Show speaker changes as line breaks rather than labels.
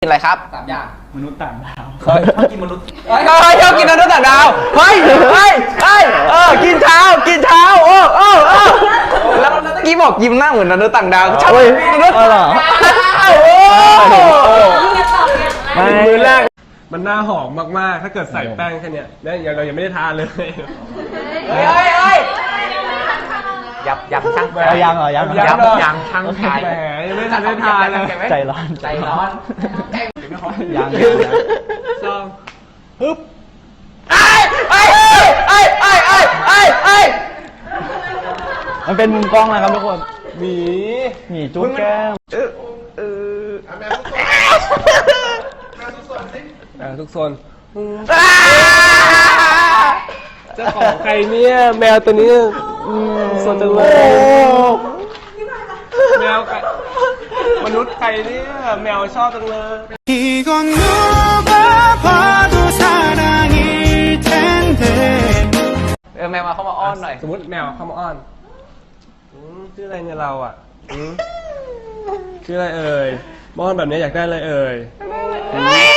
กินอะไรครับ
3 อย่าง
มนุษย์ต่างดาว
ชอบกินมนุษย์
ชอบกินมนุษย์ต่างดาวเฮ้ยกินเช้าแล้วเมื่อกี้บอกยิ้มหน้าเหมือนมนุษย์ต่างดาวชอบมนุษย์ต่างดาว
มือแรกมันหน้าหอมมากๆถ้าเกิดใส่แป้งแค่นี้แล้วเรายังไม่ได้ทานเลย
ยับช่าง
ยังเหรอยัง
ช่างชาย
แหมยังไม่ทันได้ทานเลย
ใจร้อนยัง
ซองฮึบ
มันเป็นมุมกล้องนะครับทุกคน
หมี
จุ๊บแก้ม
ทุกโซนเจ้าของใครเนี่ยแมวตัวนี้สนจังเลยแมวมนุษย์ใครเนี่ยแมวชอบจังเลย
แมวมาเข้ามาอ้อนหน่อย
สมมติแมวเข้ามาอ้อนชื่ออะไรเนี่ยเราอ่ะชื่ออะไรเอ่ยมอนแบบนี้อยากได้อะไรเอ่ย